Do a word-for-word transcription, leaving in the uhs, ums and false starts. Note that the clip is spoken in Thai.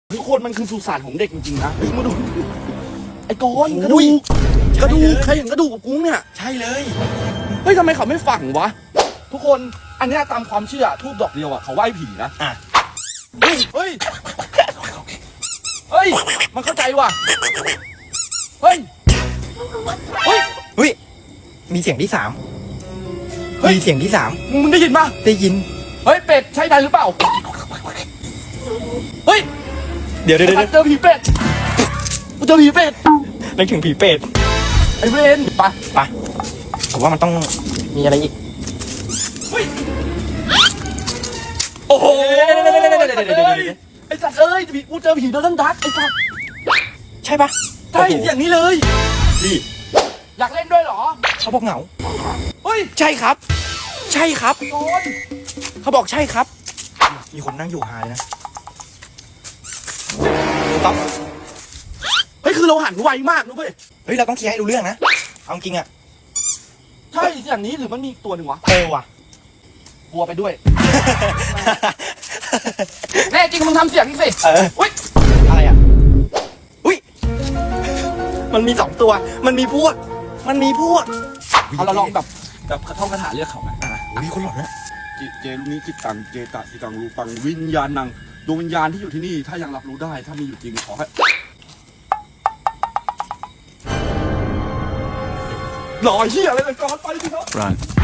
ทุกคนมันคือสุสานของเด็กจริงๆนะมาดูไอ้กอนกระดูกกระดูกใครเห็นกระดูกกับกุ้งเนี่ยใช่เลยเฮ้ยทำไมเขาไม่ฝังวะทุกคนอันนี้ตามความเชื่อทูบดอกเดียวอ่ะเขาไหว้ผีนะอ่ะเฮ้ยเฮ้ยเฮ้ยมันเข้าใจว่ะเฮ้ยเฮ้ยเฮ้ยมีเสียงที่สามมีเสียงที่สามมึงได้ยินปะได้ยินเฮ้ยเป็ดใช่ได้หรือเปล่าเฮ้ยเดี๋ยวเดี๋ยวเดี๋ยวเจอผีเป็ดกูเจอผีเป็ดนึกถึงผีเป็ดไอ้เวรไปไปผมว่ามันต้องมีอะไรอีกเฮ้ยโอ้โหไอ้สัตว์เอ้ยกูเจอผีโดนดักไอ้สัตว์ใช่ปะใช่อย่างนี้เลยดีอยากเล่นด้วยเหรอเขาบอกเหงาเฮ้ยใช่ครับใช่ครับโดนเขาบอกใช่ครับมีคนนั่งอยู่หายนะต๊อปเฮ้ยคือเราหันไวมากนะเว้ยเฮ้ยเราต้องเคลียร์ให้รู้เรื่องนะเอาจริงอะใช่อย่างนี้หรือมันมีตัวหนึ่งวะเออว่ะกลัวไปด้วยแน่จริงมึงทำเสียงสิเอออุ้ยอะไรอ่ะอุ้ยมันมีสองตัวมันมีพวกมันมีพวกเอาเราลองแบบแบบท่องคาถาเรียกเขาไหมมีคนหลอนนะจิเจลูนี้จิตตังเจตะจิตังรูปังวิญญาณนังดวงวิญญาณที่อยู่ที่นี่ถ้ายังรับรู้ได้ถ้ามีอยู่จริงขอให้รอเหี้ยอะไรกันก่อนไปดิครับ